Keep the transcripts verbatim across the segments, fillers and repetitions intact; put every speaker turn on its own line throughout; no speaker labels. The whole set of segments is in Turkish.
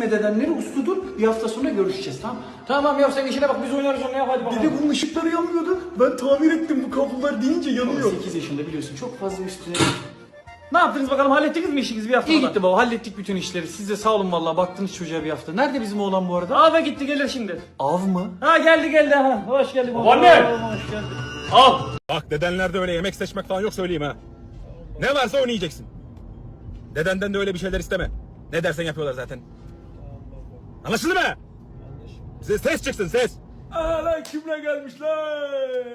nedenleri usludur. Bir hafta sonra görüşeceğiz, tamam. Tamam ya, sen işine bak, biz oynarız onu ya, hadi bakalım.
Dede bunun ışıkları yanmıyordu. Ben tamir ettim, bu kablolar deyince yanıyor.
sekiz yaşında biliyorsun, çok fazla üstüne...
Ne yaptınız bakalım, hallettiniz mi işinizi bir haftada?
İyi gitti baba, hallettik bütün işleri. Siz de sağ olun vallahi, baktınız çocuğa bir hafta. Nerede bizim oğlan bu arada?
Ava gitti, gelir şimdi.
Av mı?
Ha geldi geldi ha. Hoş geldin baba.
Anne!
Hoş geldin.
Al. Bak dedenlerde öyle yemek seçmek falan yok, söyleyeyim ha. Ne varsa onu yiyeceksin. Dedenden de öyle bir şeyler isteme. Ne dersen yapıyorlar zaten. Anlaşıldı mı? Size ses çıksın, ses.
Aa lan kimle gelmişler?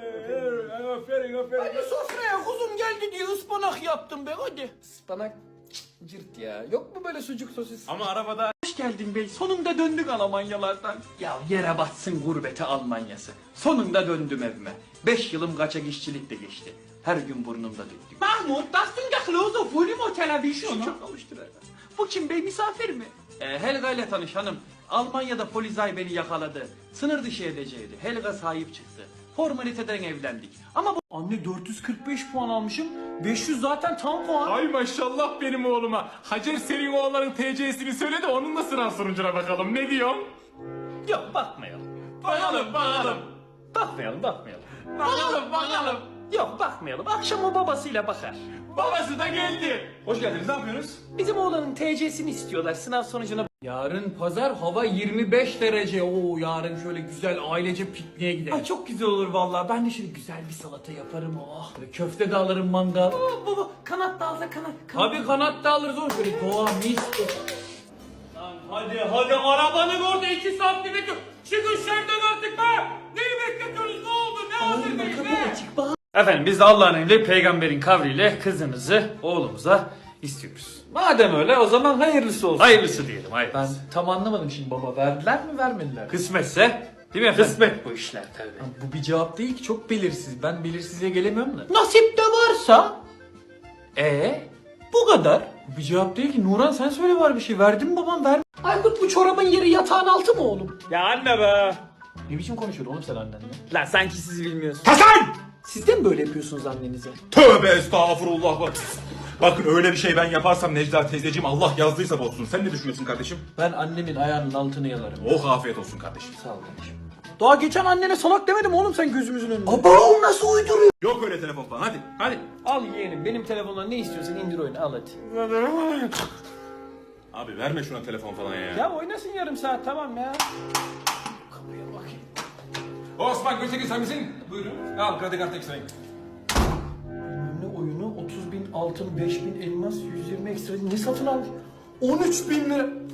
Aferin aferin.
Hadi sofraya kuzum geldi diye ıspanak yaptım be, hadi. Ispanak cırt ya. Yok mu böyle sucuk sosis?
Ama arabada...
Hoş geldin bey. Sonunda döndük Almanyalardan. Ya yere batsın gurbete Almanyası. Sonunda döndüm evime. Beş yılım kaçak işçilikte geçti. Her gün burnumda döktüm. Mahmut, das sind ja Klose, Volume Television. Çok alıştırır. Bu kim bey, misafir mi? Ee, Helga ile tanış hanım. Almanya'da Polizei beni yakaladı. Sınır dışı edeceğiydi. Helga sahip çıktı. Formaliteden evlendik. Ama bu... Anne dört yüz kırk beş puan almışım. beş yüz zaten tam puan.
Ay maşallah benim oğluma. Hacer senin oğlanın T C'sini söyle de onunla sınav sonucuna bakalım. Ne diyorsun?
Yok bakmayalım.
Bakalım bakalım.
Bakmayalım bakmayalım.
Bakalım bakalım.
Yok bakmayalım. Akşam o babasıyla bakar.
Babası da geldi. Hoş geldiniz, ne yapıyorsunuz?
Bizim oğlanın T C'sini istiyorlar sınav sonucuna.
Yarın pazar, hava yirmi beş derece. Oo, yarın şöyle güzel ailece pikniğe gidelim.
Ay çok güzel olur vallahi. Ben de şöyle güzel bir salata yaparım. Oh.
Böyle köfte de alırım, mangal.
Baba, baba kanat da alsa kanat. kanat.
Tabii kanat da alırız oğlum, şöyle doğa mis.
Lan hadi hadi arabanın orada iki saattir bekliyor. Çıkın şerden artık be. Neyi bekletiyorsunuz, ne oldu, ne hazırdayız ne? Efendim biz de Allah'ın emri peygamberin kavliyle kızınızı oğlumuza istiyoruz.
Madem öyle, o zaman hayırlısı olsun.
Hayırlısı diyelim
Ben
hayırlısı.
tam anlamadım şimdi baba. Verdiler mi, vermediler mi?
Kısmetse değil mi efendim?
Kısmet
bu işler tabii.
Bu bir cevap değil ki, çok belirsiz. Ben belirsizliğe gelemiyorum da.
Nasip de varsa
Ee,
bu kadar.
bu bir cevap değil ki. Nuran sen söyle bari bir şey. Verdin mi babam, ver.
Aykut bu çorabın yeri yatağın altı mı oğlum?
Ya anne be.
Ne biçim konuşuyorsun oğlum sen annenle?
Lan sanki siz bilmiyorsunuz.
Hasan!
Siz de mi böyle yapıyorsunuz annenize?
Tövbe estağfurullah bak. Bakın öyle bir şey ben yaparsam Necla teyzeciğim Allah yazdıysa bozsun. Sen ne düşünüyorsun kardeşim?
Ben annemin ayağının altını yalarım.
Oh afiyet olsun kardeşim.
Sağ ol kardeşim.
Daha geçen annene salak demedim oğlum sen gözümüzün önünde.
Aba, nasıl uyduruyor?
Yok öyle telefon falan, hadi hadi.
Al yeğenim benim telefondan ne istiyorsan indir oyunu al hadi.
Abi verme şuna telefon falan ya.
Ya oynasın yarım saat tamam ya. Kapıya bakayım.
Osman Gültekin sen misin? Buyurun. Al kredi kartı ekstrayı.
Ne oyunu otuz bin altın beş bin elmas yüz yirmi ekstra ne satın almış? on üç bin lira.